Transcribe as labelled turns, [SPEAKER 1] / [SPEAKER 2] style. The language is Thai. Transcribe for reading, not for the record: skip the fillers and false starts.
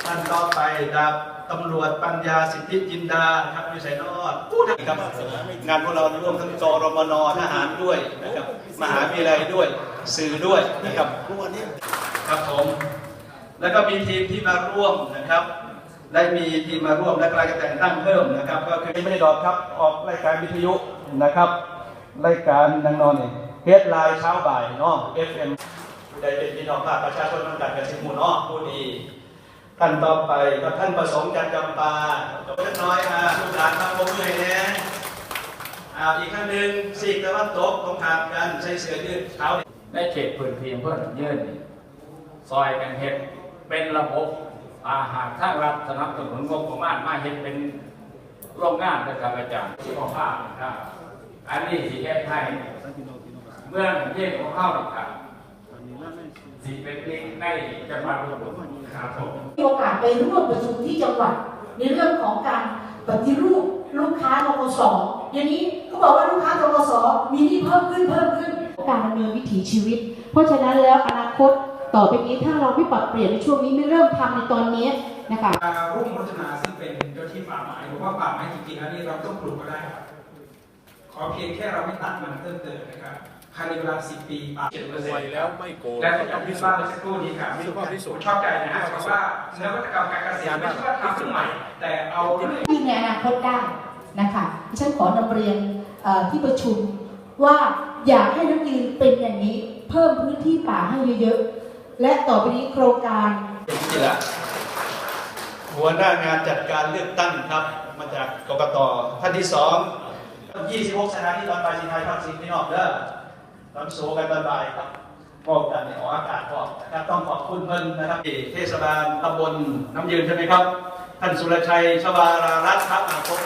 [SPEAKER 1] ท่านต่อไปดาบตำรวจปัญญาสิทธิจินดาครับวิสัยนอดผู้ครับงานพวกเราร่วมทั้งกรมนทหารด้วยนะครับมหาวิทยาลัยด้วยสื่อด้วยนะครับครับผมแล้วก็มีทีมที่มาร่วมนะครับได้มีทีมมาร่วมและกำลังจะแต่งตั้งเพิ่มนะครับก็คือไม่ได้ดอกครับออกรายการวิทยุนะครับรายการนางนอนเฮดไลน์เช้าบ่ายเนาะ FM ได้เป็นพี่น้องภาคประชาชนต้องการกระสิบหมู่เนาะผู้ดีท่านต่อไปก็ท่านประสงค์จันจำปาตัวเล็กน้อยลูกหลานทำบุญเลยนะอีกครั้งหนึ่งซีกตะวันตกตรงข้ามกันใช้เสื้อยืดเท้า
[SPEAKER 2] ในเขตพื้นที่เพื่อนยื่นซอยกันเห็ดเป็นระบบอาหารทางรัฐสนับสนุนงบประมาณมาเห็ดเป็นโรงงานนะครับอาจารย์ที่ของภาพนะครับอันนี้สีแค่ไทยเมื่อเยี่ยมของเข้าหลักฐานสีเป็นลิงในจังหวัดอุบลครับผม
[SPEAKER 3] มีโอกาสไปร่วมประชุมที่จังหวัดในเรื่องของการปฏิรูปลูกค้าทกส.อย่างนี้ก็บอกว่าลูกค้าทกส.มีหนี้เพิ่มขึ้นการดำเนินวิถีชีวิตเพราะฉะนั้นแล้วอนาคตต่อไปนี้ถ้าเราไม่ปรับเปลี่ยนในช่วงนี้ไม่เริ่มทำในตอนนี้นะคะ
[SPEAKER 4] รุ่งพัฒนาซึ่งเป็นเจ้าที่ป่าไม้หรือว่าป่าไม้จริงๆแล้วนี่เราต้องปลูกก็ได้ครับขอเพียงแค่เราไม่ตัดมันเพิ่มเติมนะครับภายในเวลา10 ปีป่า
[SPEAKER 5] 7%แล้วไม่โกง
[SPEAKER 4] และที่พิสูจน์สักครู่นี้ครับชอบใจนะฮะเพราะว่านวัตกรรมการเกษตรไม่ใช่ว่าทำขึ้นใหม่แต่เอา
[SPEAKER 3] ที่ในอนาคตได้นะคะที่ฉันขอนำเรียนที่ประชุมว่าอยากให้นักยืนเป็นอย่างนี้เพิ่มพื้นที่ป่าให้เยอะๆและต่อไปนี้โครงการ
[SPEAKER 1] นี่แหละหัวหน้างานจัดการเลือกตั้งครับมาจากกกต.ท่านที่26 สถานีตอนบ่ายสิงห์ไทยภาคสิงห์พี่น้องเด้อตอนโซกันตอนบ่ายครับบอกกันในออกอากาศก่อนนะครับต้องขอบคุณเพิ่นนะครับเทศบาลตำบลน้ำยืนใช่ไหมครับท่านสุรชัยชวารารัตน์ครับ